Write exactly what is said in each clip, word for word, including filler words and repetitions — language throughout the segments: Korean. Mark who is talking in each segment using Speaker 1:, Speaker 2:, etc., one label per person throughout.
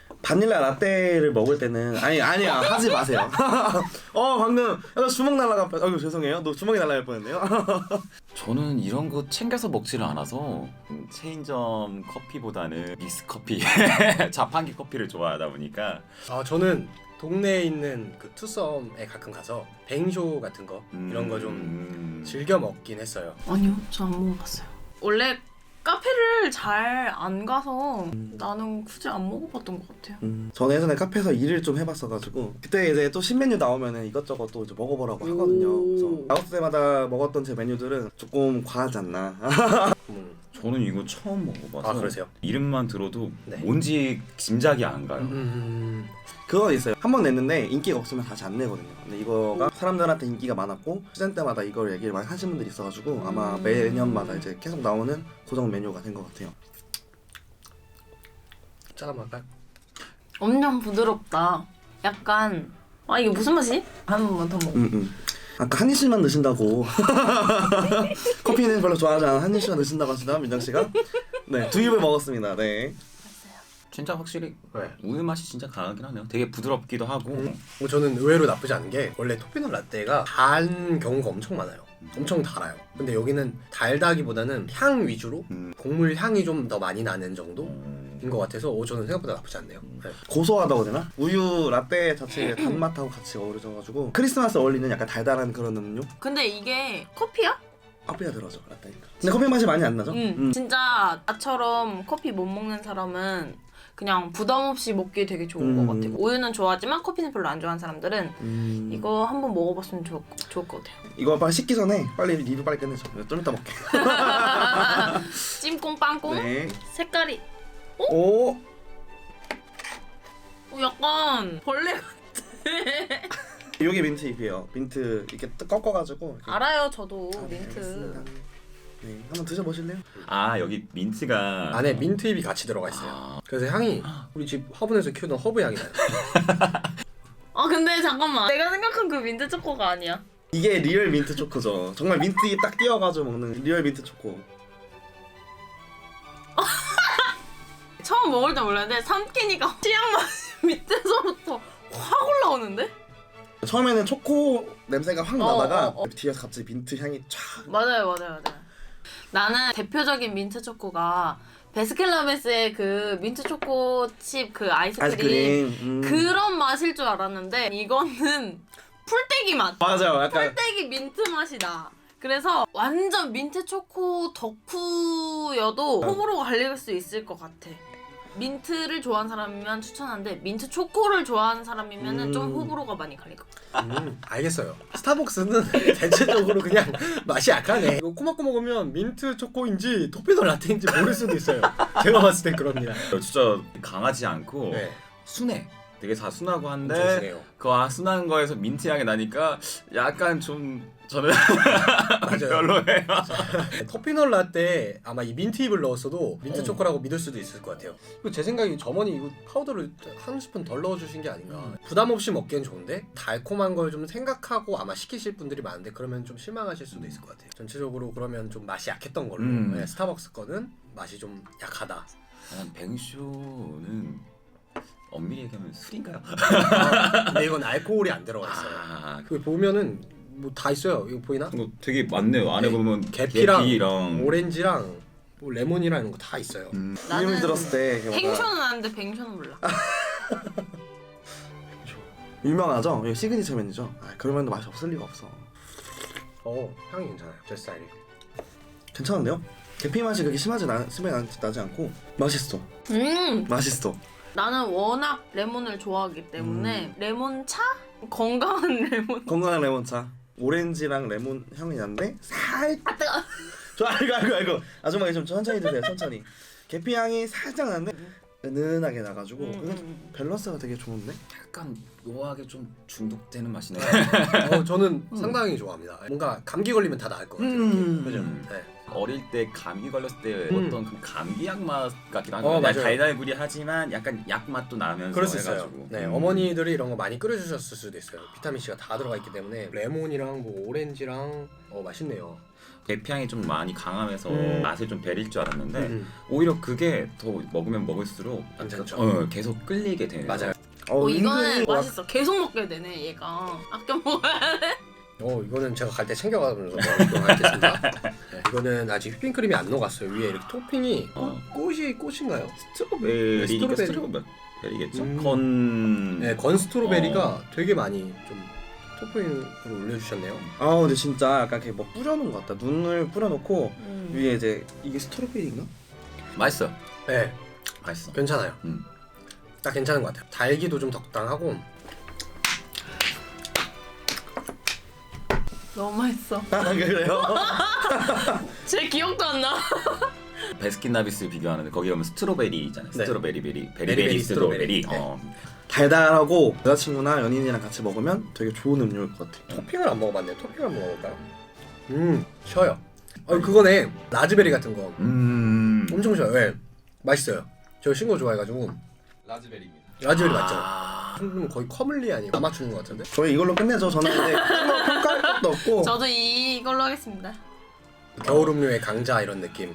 Speaker 1: 바닐라 라떼를 먹을 때는 아니 아니야 하지 마세요. 어 방금 너 주먹 날라가. 아유 죄송해요. 너 주먹이 날라갈 뻔했네요.
Speaker 2: 저는 이런 거 챙겨서 먹지를 않아서 체인점 커피보다는 믹스커피, 자판기 커피를 좋아하다 보니까.
Speaker 3: 아 저는 동네에 있는 그 투썸에 가끔 가서 뱅쇼 같은 거
Speaker 2: 음...
Speaker 3: 이런 거 좀 즐겨 먹긴 했어요.
Speaker 4: 아니요, 저 안 먹어봤어요. 원래 카페를 잘 안 가서
Speaker 1: 음.
Speaker 4: 나는 굳이 안 먹어봤던 것 같아요.
Speaker 1: 음, 저는 예전에 카페에서 일을 좀 해봤어가지고 그때 이제 또 신메뉴 나오면은 이것저것 또 이제 먹어보라고 하거든요. 그래서 나왔을 때마다 먹었던 제 메뉴들은 조금 과하지 않나.
Speaker 3: 음.
Speaker 2: 저는 이거 처음 먹어봐서.
Speaker 3: 아 그러세요?
Speaker 2: 이름만 들어도
Speaker 3: 네.
Speaker 2: 뭔지 짐작이 안 가요.
Speaker 3: 음.
Speaker 1: 그거 있어요. 한 번 냈는데 인기가 없으면 다시 안 내거든요. 근데 이거가 사람들한테 인기가 많았고 시즌 때마다 이걸 얘기를 많이 하시는 분들이 있어가지고 아마 매년마다 이제 계속 나오는 고정 메뉴가 된 것 같아요.
Speaker 3: 짠 한번 할까요?
Speaker 4: 엄청 부드럽다. 약간 아 이게 무슨 맛이지? 한 번만 더 먹어.
Speaker 1: 음, 음. 아까 한입씩만 드신다고. 커피는 별로 좋아하지 않아 한입씩만 드신다고 하시나 민정씨가? 네, 두 입을 먹었습니다. 네.
Speaker 2: 진짜 확실히
Speaker 3: 네.
Speaker 2: 우유 맛이 진짜 강하긴 하네요. 되게 부드럽기도 하고.
Speaker 3: 음. 저는 의외로 나쁘지 않은 게 원래 토피넛 라떼가 단 경우가 엄청 많아요. 엄청 달아요. 근데 여기는 달다기보다는 향 위주로
Speaker 2: 음.
Speaker 3: 곡물 향이 좀 더 많이 나는 정도인
Speaker 2: 음.
Speaker 3: 것 같아서 오, 저는 생각보다 나쁘지 않네요. 네.
Speaker 1: 고소하다고 해야 되나? 우유 라떼 자체의 단맛하고 같이 어우러져가지고 크리스마스 어울리는 약간 달달한 그런 음료?
Speaker 4: 근데 이게 커피야?
Speaker 1: 커피가 들어져 라떼니까. 근데 커피 맛이 많이 안 나죠?
Speaker 4: 응.
Speaker 1: 음.
Speaker 4: 진짜 나처럼 커피 못 먹는 사람은 그냥 부담 없이 먹기 되게 좋은
Speaker 1: 음.
Speaker 4: 것 같아요. 우유는 좋아하지만 커피는 별로 안 좋아하는 사람들은
Speaker 1: 음.
Speaker 4: 이거 한번 먹어봤으면 좋을, 좋을 것 같아요.
Speaker 1: 이거 빨리 식기 전에 빨리 리뷰 빨리 끝내죠. 좀 이따 먹게.
Speaker 4: 찜꽁 빵꽁
Speaker 1: 네.
Speaker 4: 색깔이
Speaker 1: 오.
Speaker 4: 어, 약간 벌레 같아.
Speaker 1: 요게 민트 잎이에요. 민트 이렇게 뜯- 꺾어가지고. 이렇게.
Speaker 4: 알아요, 저도
Speaker 1: 아, 네,
Speaker 4: 민트.
Speaker 1: 알겠습니다. 네, 한번 드셔보실래요?
Speaker 2: 아 여기 민트가
Speaker 3: 안에 민트잎이 같이 들어가 있어요.
Speaker 2: 아.
Speaker 3: 그래서 향이 우리 집 화분에서 키우던 허브 향이 나요.
Speaker 4: 아 근데 잠깐만, 내가 생각한 그 민트 초코가 아니야.
Speaker 1: 이게 리얼 민트 초코죠. 정말 민트 잎 딱 띄어가지고 먹는 리얼 민트 초코.
Speaker 4: 처음 먹을 때 몰랐는데 삼키니까 치약 맛이 밑에서부터 확 올라오는데?
Speaker 1: 처음에는 초코 냄새가 확 나다가
Speaker 4: 어, 어, 어.
Speaker 1: 뒤에서 갑자기 민트 향이 촥.
Speaker 4: 맞아요, 맞아요, 맞아요. 나는 대표적인 민트 초코가 베스킨라빈스의 그 민트 초코 칩 그 아이스크림,
Speaker 1: 아이스크림. 음.
Speaker 4: 그런 맛일 줄 알았는데 이거는 풀떼기 맛.
Speaker 1: 맞아요. 약간
Speaker 4: 풀떼기 민트 맛이 나. 그래서 완전 민트 초코 덕후여도 호불호가 갈릴 수 있을 것 같아. 민트를 좋아하는 사람이면 추천하는데 민트 초코를 좋아하는 사람이면
Speaker 1: 음.
Speaker 4: 좀 호불호가 많이 갈릴 것 같아.
Speaker 3: 음, 알겠어요. 스타벅스는 대체적으로 그냥 맛이 약하네. 이거 꼬막꼬 먹으면 민트 초코인지 토피넛 라떼인지 모를 수도 있어요. 제가 봤을 땐 그럽니다.
Speaker 2: 진짜 강하지 않고
Speaker 3: 네,
Speaker 2: 순해. 되게 다 순하고
Speaker 3: 엄청
Speaker 2: 한데
Speaker 3: 순해요.
Speaker 2: 그 아, 순한 거에서 민트 향이 나니까 약간 좀 저는
Speaker 3: 맞아요.
Speaker 2: 별로예요.
Speaker 3: 토피넛 라떼 아마 이 민트잎을 넣었어도 민트
Speaker 1: 어.
Speaker 3: 초코라고 믿을 수도 있을 것 같아요. 그리고 제 생각에 점원이 이거 파우더를 한 스푼 덜 넣어주신 게 아닌가.
Speaker 1: 음.
Speaker 3: 부담 없이 먹기엔 좋은데 달콤한 걸 좀 생각하고 아마 시키실 분들이 많은데 그러면 좀 실망하실 수도 있을 것 같아요. 전체적으로 그러면 좀 맛이 약했던 걸로.
Speaker 2: 음.
Speaker 3: 네, 스타벅스 거는 맛이 좀 약하다.
Speaker 2: 난 뱅쇼는 엄밀히 얘기하면 술인가요?
Speaker 3: 근데 이건 알코올이 안 들어가 있어요.
Speaker 2: 아,
Speaker 3: 그 보면은 뭐 다 있어요. 이거 보이나?
Speaker 2: 이거 되게 많네요. 안에
Speaker 3: 네,
Speaker 2: 보면
Speaker 3: 계피랑
Speaker 2: 계피랑
Speaker 3: 오렌지랑 뭐 레몬이랑 이런 거 다 있어요.
Speaker 2: 음.
Speaker 4: 나는
Speaker 1: 이름을 들었을 때 뭔가
Speaker 4: 뱅쇼는 아는데 뱅쇼는 몰라.
Speaker 1: 유명하죠? 이거 시그니처 메뉴죠. 아, 그러면 맛이 없을 리가 없어.
Speaker 3: 어 향이 괜찮아요. 제 스타일이.
Speaker 1: 괜찮은데요? 계피 맛이 그렇게 심하지 나, 심하지 나지 않고 맛있어.
Speaker 4: 음,
Speaker 1: 맛있어.
Speaker 4: 나는 워낙 레몬을 좋아하기 때문에 레몬 차? 건강한 레몬.
Speaker 1: 건강한 레몬차. 오렌지랑 레몬 향이 나는데 살짝.
Speaker 4: 아 뜨거.
Speaker 1: 저 아이고 아이고 아이고. 아줌마 좀 천천히 드세요. 천천히. 계피 향이 살짝 나는데 은은하게 나가지고
Speaker 4: 음,
Speaker 1: 그게
Speaker 4: 음.
Speaker 1: 밸런스가 되게 좋은데.
Speaker 2: 약간 묘하게 좀 중독되는 맛이네.
Speaker 3: 어 저는 상당히 좋아합니다. 뭔가 감기 걸리면 다 나을 것 같아요.
Speaker 1: 음.
Speaker 3: 그죠? 네.
Speaker 2: 어릴 때 감기 걸렸을 때
Speaker 3: 음.
Speaker 2: 어떤 그 감기약 맛 같기도 하고
Speaker 3: 어,
Speaker 2: 그냥
Speaker 3: 맞아요.
Speaker 2: 달달구리하지만 약간 약 맛도 나면서
Speaker 3: 그럴 수 있어요.
Speaker 2: 해가지고.
Speaker 3: 네,
Speaker 2: 음.
Speaker 3: 어머니들이 이런 거 많이 끓여주셨을 수도 있어요. 비타민 C가 다 들어가 있기 때문에 레몬이랑 뭐 오렌지랑 어 맛있네요.
Speaker 2: 계피향이 좀 많이 강하면서
Speaker 3: 음.
Speaker 2: 맛을 좀 배릴 줄 알았는데
Speaker 3: 음,
Speaker 2: 오히려 그게 더 먹으면 먹을수록
Speaker 3: 괜찮죠.
Speaker 2: 어, 계속 끌리게 되네요.
Speaker 3: 맞아요.
Speaker 1: 어,
Speaker 4: 어, 이거는
Speaker 1: 은근히 막-
Speaker 4: 맛있어. 계속 먹게 되네 얘가. 아껴 먹어야 돼.
Speaker 3: 어 이거는 제가 갈 때 챙겨가면서 먹도록 하겠습니다. 네, 이거는 아직 휘핑크림이 안 녹았어요. 위에 이렇게 토핑이
Speaker 2: 어.
Speaker 3: 꽃이 꽃인가요?
Speaker 2: 스트로베리,
Speaker 3: 스트로베리.
Speaker 2: 스트로베리겠죠?
Speaker 3: 음.
Speaker 2: 건...
Speaker 3: 네, 건 스트로베리가
Speaker 2: 어.
Speaker 3: 되게 많이 좀 토핑으로 올려주셨네요.
Speaker 1: 아 근데 진짜 약간 이렇게 뭐 뿌려놓은 것 같다. 눈을 뿌려놓고
Speaker 4: 음.
Speaker 1: 위에 이제 이게 스트로베리인가?
Speaker 2: 맛있어.
Speaker 3: 네,
Speaker 2: 맛있어.
Speaker 3: 괜찮아요.
Speaker 2: 음.
Speaker 3: 딱 괜찮은 것 같아요. 달기도 좀 적당하고.
Speaker 4: 너무 맛있어.
Speaker 1: 아 그래요?
Speaker 4: 제 기억도 안 나.
Speaker 2: 베스킨라빈스 비교하는데 거기 가면 스트로베리 있잖아요.
Speaker 3: 네.
Speaker 2: 스트로베리 베리
Speaker 3: 베리베리
Speaker 2: 베리베리 스트로베리.
Speaker 3: 스트로베리.
Speaker 2: 어.
Speaker 1: 달달하고 여자친구나 연인이랑 같이 먹으면 되게 좋은 음료일 것 같아.
Speaker 3: 토핑을 안 먹어봤네요. 토핑을 한번 먹어볼까요? 음, 쉬어요. 어, 그거네. 라즈베리 같은 거.
Speaker 2: 음.
Speaker 3: 엄청 쉬어요. 네. 맛있어요. 저 신거 좋아해가지고.
Speaker 2: 라즈베리입니다.
Speaker 3: 라즈베리 맞죠?
Speaker 2: 아.
Speaker 3: 음, 거의 커물리 아니고 다 맞추는 것 같은데?
Speaker 1: 저희 이걸로 끝내죠. 저는 근데 뭐 평가할 것도 없고.
Speaker 4: 저도 이걸로 하겠습니다.
Speaker 3: 겨울 음료의 강자 이런 느낌.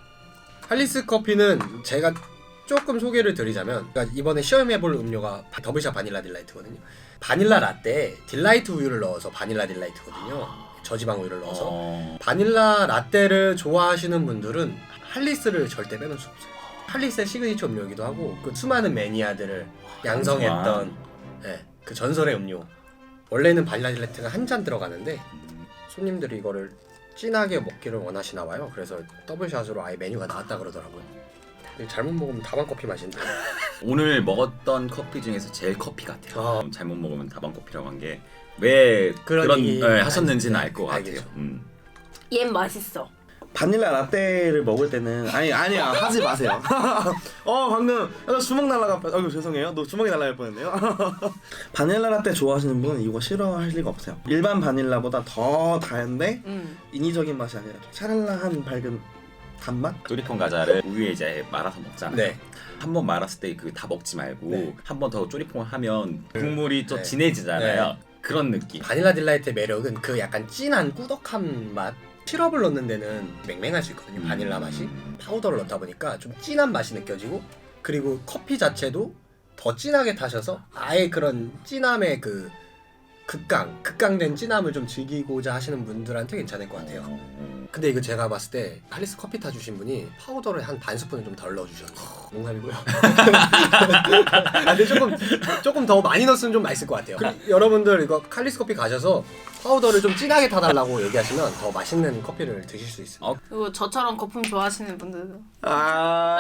Speaker 3: 할리스 커피는 제가 조금 소개를 드리자면, 그러니까 이번에 시험해볼 음료가 더블샷 바닐라 딜라이트거든요. 바닐라 라떼에 딜라이트 우유를 넣어서 바닐라 딜라이트거든요. 저지방 우유를 넣어서.
Speaker 2: 어.
Speaker 3: 바닐라 라떼를 좋아하시는 분들은 할리스를 절대 빼놓을 수 없어요. 할리스의 시그니처 음료이기도 하고 그 수많은 매니아들을 양성했던 예, 그 전설의 음료. 원래는 바닐라 딜라이트가 한 잔 들어가는데 손님들이 이거를 진하게 먹기를 원하시나 봐요. 그래서 더블샷으로 아예 메뉴가 나왔다 그러더라고요. 근데 잘못 먹으면 다방 커피 맛인데.
Speaker 2: 오늘 먹었던 커피 중에서 제일 커피 같아요.
Speaker 3: 어.
Speaker 2: 잘못 먹으면 다방 커피라고 한 게 왜
Speaker 3: 그런
Speaker 2: 그런,
Speaker 3: 얘기
Speaker 2: 네, 하셨는지는
Speaker 3: 알-
Speaker 2: 알 것
Speaker 3: 알겠죠.
Speaker 2: 같아요. 음.
Speaker 4: 얘 맛있어.
Speaker 1: 바닐라 라떼를 먹을 때는 아니 아니야 하지 마세요. 어 방금 나 주먹 날라가. 아이고 죄송해요. 너 주먹이 날라갈 뻔했네요. 바닐라 라떼 좋아하시는 분은 이거 싫어할 리가 없어요. 일반 바닐라보다 더 달은데
Speaker 4: 음.
Speaker 1: 인위적인 맛이 아니라 좀 샤랄라한 밝은 단맛?
Speaker 2: 쪼리퐁 과자를 우유에 이제 말아서 먹잖아요.
Speaker 3: 네.
Speaker 2: 한 번 말았을 때 그 다 먹지 말고
Speaker 3: 네.
Speaker 2: 한 번 더 쪼리퐁을 하면 국물이 좀
Speaker 3: 네.
Speaker 2: 진해지잖아요. 그런 느낌.
Speaker 3: 바닐라 딜라이트의 매력은 그 약간 진한 꾸덕한 맛. 시럽을 넣는 데는 맹맹할 수 있거든요. 바닐라 맛이.
Speaker 2: 음.
Speaker 3: 파우더를 넣다 보니까 좀 진한 맛이 느껴지고, 그리고 커피 자체도 더 진하게 타셔서 아예 그런 진함의 그 극강, 극강된 진함을 좀 즐기고자 하시는 분들한테 괜찮을 것 같아요.
Speaker 2: 어.
Speaker 3: 근데 이거 제가 봤을 때 할리스 커피 타주신 분이 파우더를 한 반 스푼을 좀 덜 넣어주셨네요. 농담이고요. 아, 근데 조금 조금 더 많이 넣었으면 좀 맛있을 것 같아요. 그, 여러분들 이거 할리스 커피 가셔서 파우더를 좀 진하게 타달라고 얘기하시면 더 맛있는 커피를 드실 수 있습니다.
Speaker 2: 어?
Speaker 4: 그리고 저처럼 거품 좋아하시는 분들도.
Speaker 1: 아.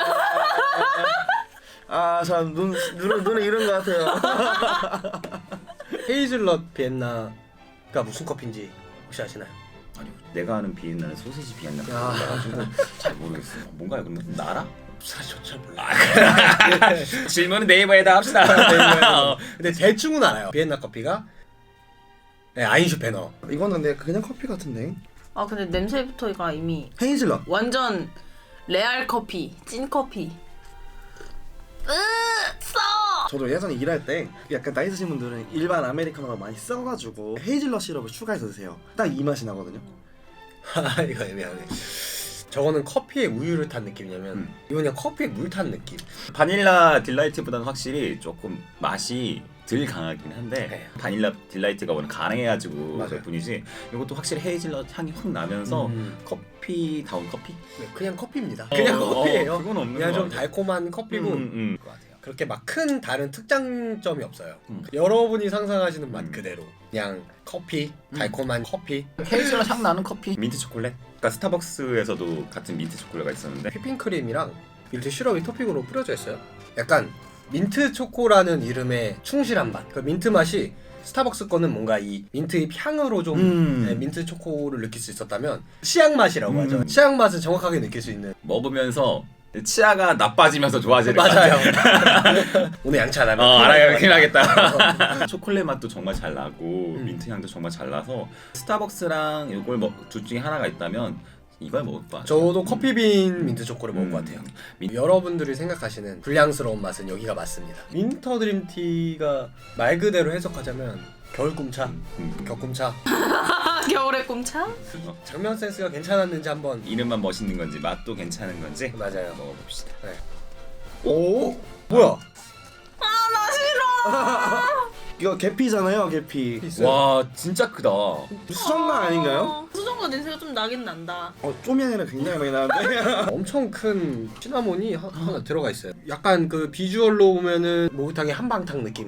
Speaker 1: 아, 참 눈, 눈을 눈을 잃은 것 같아요.
Speaker 3: 헤이즐넛 비엔나가 무슨 커피인지 혹시 아시나요?
Speaker 2: 아니 내가 아는 비엔나는 소시지 비엔나
Speaker 3: 야.
Speaker 2: 가지고 잘 모르겠어요. 뭔가요? 그러면 나라?
Speaker 3: 사실 저잘 몰라요.
Speaker 2: 질문은 네이버에다 합시다.
Speaker 3: 근데 대충은 알아요. 비엔나 커피가 네, 아인슈페너.
Speaker 1: 이거는 근데 그냥 커피 같은데.
Speaker 4: 아 근데 냄새부터가 이미
Speaker 1: 헤이즐넛.
Speaker 4: 완전 레알 커피, 찐 커피. 으 써.
Speaker 1: 저도 예전에 일할 때 약간 나이 드신 분들은 일반 아메리카노가 많이 써가지고 헤이즐넛 시럽을 추가해서 드세요. 딱 이 맛이 나거든요.
Speaker 3: 아 이거 애매하네. 저거는 커피에 우유를 탄 느낌이냐면
Speaker 2: 음.
Speaker 3: 이건 그냥 커피에 물 탄 느낌.
Speaker 2: 바닐라 딜라이트보다는 확실히 조금 맛이 덜 강하긴 한데
Speaker 3: 네.
Speaker 2: 바닐라 딜라이트가 워낙 강해가지고
Speaker 3: 맞아요.
Speaker 2: 그 뿐이지 이것도 확실히 헤이즐넛 향이 확 나면서
Speaker 3: 음.
Speaker 2: 커피다운 커피?
Speaker 3: 네, 그냥 커피입니다. 그냥
Speaker 2: 어,
Speaker 3: 커피예요.
Speaker 2: 어, 그건 없는
Speaker 3: 그냥
Speaker 2: 것
Speaker 3: 좀
Speaker 2: 같아요.
Speaker 3: 달콤한 커피고
Speaker 2: 음, 음.
Speaker 3: 것 같아요. 그렇게 막 큰 다른 특장점이 없어요.
Speaker 2: 음.
Speaker 3: 여러분이 상상하시는 맛
Speaker 2: 음.
Speaker 3: 그대로 그냥 커피,
Speaker 2: 음.
Speaker 3: 달콤한 커피.
Speaker 2: 헤이즐넛 향 나는 커피 민트 초콜릿? 그러니까 스타벅스에서도 같은 민트 초콜릿가 있었는데
Speaker 3: 휘핑크림이랑 밀트 시럽이 토핑으로 뿌려져 있어요. 약간 민트 초코라는 이름에 충실한 맛. 그 민트 맛이 스타벅스 거는 뭔가 이 민트의 향으로 좀
Speaker 2: 음.
Speaker 3: 네, 민트 초코를 느낄 수 있었다면 치약 맛이라고
Speaker 2: 음.
Speaker 3: 하죠. 치약 맛을 정확하게 느낄 수 있는.
Speaker 2: 먹으면서 치아가 나빠지면서 좋아지는
Speaker 3: 맞아요. 오늘 양치 안 하면
Speaker 2: 어,
Speaker 3: 큰일
Speaker 2: 알아요.
Speaker 3: 날
Speaker 2: 큰일
Speaker 3: 것 같아요.
Speaker 2: 나겠다. 초콜릿 맛도 정말 잘 나고
Speaker 3: 음.
Speaker 2: 민트 향도 정말 잘 나서 스타벅스랑 이걸 뭐 둘 중에 하나가 있다면 이걸 먹을 것 같아요.
Speaker 3: 저도 커피빈 민트 초코를 먹을 것
Speaker 2: 음.
Speaker 3: 같아요.
Speaker 2: 민-
Speaker 3: 여러분들이 생각하시는 불량스러운 맛은 여기가 맞습니다. 윈터 드림티가 말 그대로 해석하자면 겨울 꿈차,
Speaker 2: 음.
Speaker 3: 격꿈차.
Speaker 4: 겨울의 꿈차?
Speaker 3: 장면 센스가 괜찮았는지 한번.
Speaker 2: 이름만 멋있는 건지 맛도 괜찮은 건지
Speaker 3: 맞아요.
Speaker 2: 먹어봅시다.
Speaker 1: 오
Speaker 3: 뭐야?
Speaker 4: 나 싫어.
Speaker 1: 이거 계피잖아요 계피.
Speaker 3: 있어요.
Speaker 2: 와 진짜 크다.
Speaker 1: 수정관 아닌가요?
Speaker 4: 어, 수정과 냄새가 좀 나긴 난다.
Speaker 1: 어 좀이 아니라 굉장히 많이 나는데.
Speaker 3: 엄청 큰 시나몬이 하, 하나 들어가 있어요. 약간 그 비주얼로 보면은 목욕탕의 한방탕 느낌.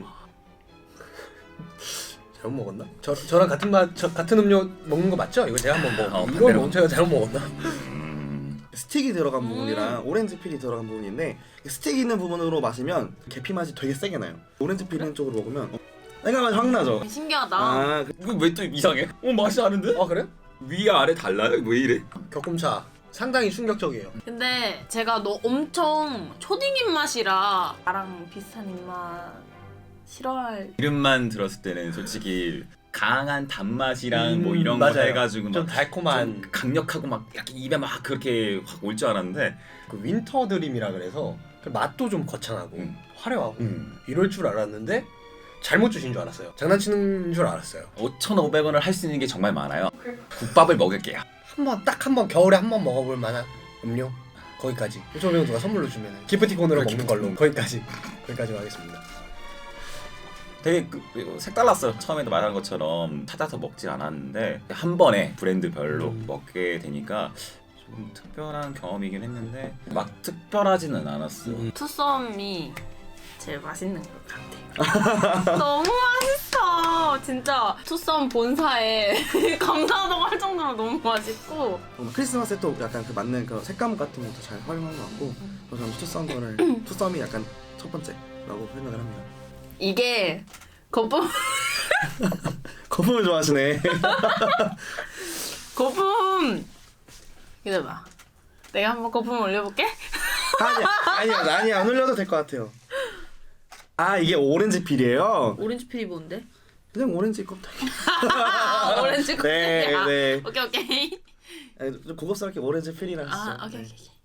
Speaker 3: 잘못 먹었나? 저 저랑 같은 맛, 저, 같은 음료 먹는 거 맞죠? 이거 제가 한번 먹어.
Speaker 2: 어,
Speaker 3: 이거
Speaker 2: 반대로.
Speaker 3: 먹 제가 잘못 먹었나?
Speaker 2: 음.
Speaker 1: 스틱이 들어간
Speaker 4: 음.
Speaker 1: 부분이랑 오렌지 필이 들어간 부분인데 스틱 있는 부분으로 마시면 계피 맛이 되게 세게 나요. 오렌지 필 있는 쪽으로 먹으면 어, 내가 맛이 확 나죠.
Speaker 4: 신기하다.
Speaker 1: 아 그-
Speaker 2: 이거 왜 또 이상해? 어 맛이 다른데?
Speaker 3: 아 그래?
Speaker 2: 위 아래 달라요? 왜 이래?
Speaker 3: 격꿈차 상당히 충격적이에요.
Speaker 4: 근데 제가 너 엄청 초딩 입맛이라 나랑 비슷한 입맛 싫어할.
Speaker 2: 이름만 들었을 때는 솔직히 강한 단맛이랑 뭐
Speaker 3: 음,
Speaker 2: 이런 거
Speaker 3: 맞아요.
Speaker 2: 해가지고
Speaker 3: 좀
Speaker 2: 막
Speaker 3: 달콤한
Speaker 2: 좀 강력하고 막 약간 입에 막 그렇게 확 올 줄 알았는데
Speaker 3: 그 윈터 드림이라 그래서 그 맛도 좀 거창하고
Speaker 2: 음.
Speaker 3: 화려하고
Speaker 2: 음.
Speaker 3: 이럴 줄 알았는데 잘못 주신 줄 알았어요. 장난치는 줄 알았어요.
Speaker 2: 오천오백 원을 할 수 있는 게 정말 많아요. 국밥을 먹을게요.
Speaker 3: 한번 딱 한 번 겨울에 한 번 먹어볼 만한 음료 거기까지. 오천오백 원 누가 선물로 주면 기프티콘으로
Speaker 2: 그래,
Speaker 3: 먹는 걸로 거기까지 거기까지 하겠습니다.
Speaker 2: 되게 그, 그 색달랐어요. 처음에도 말한 것처럼 찾아서 먹지 않았는데 한 번에 브랜드별로
Speaker 3: 음.
Speaker 2: 먹게 되니까 좀 특별한 경험이긴 했는데 막 특별하지는 않았어.
Speaker 3: 음.
Speaker 4: 투썸이 제일 맛있는 것 같아요. 너무 맛있어. 진짜 투썸 본사에 감사하다고 할 정도로 너무 맛있고.
Speaker 1: 어, 크리스마스에 또 약간 그 맞는 그 색감 같은 것도 잘 활용한 것 같고 그래서 저는 투썸 거를 투썸이 약간 첫 번째라고 생각을 합니다.
Speaker 4: 이게 거품
Speaker 1: 거품을 좋아하시네.
Speaker 4: 거품. 기다려봐. 내가 한번 거품 올려볼게.
Speaker 1: 아니야 아니야 아니야 안 올려도 될 것 같아요. 아 이게 오렌지 필이에요.
Speaker 4: 오렌지 필이 뭔데?
Speaker 1: 그냥 오렌지 껍데기.
Speaker 4: 오렌지
Speaker 1: 네,
Speaker 4: 껍데기야.
Speaker 1: 네.
Speaker 4: 오케이 오케이.
Speaker 1: 아니, 좀 고급스럽게 오렌지 필이라 하시죠.
Speaker 4: 아 오케이
Speaker 1: 네.
Speaker 4: 오케이. 오케이.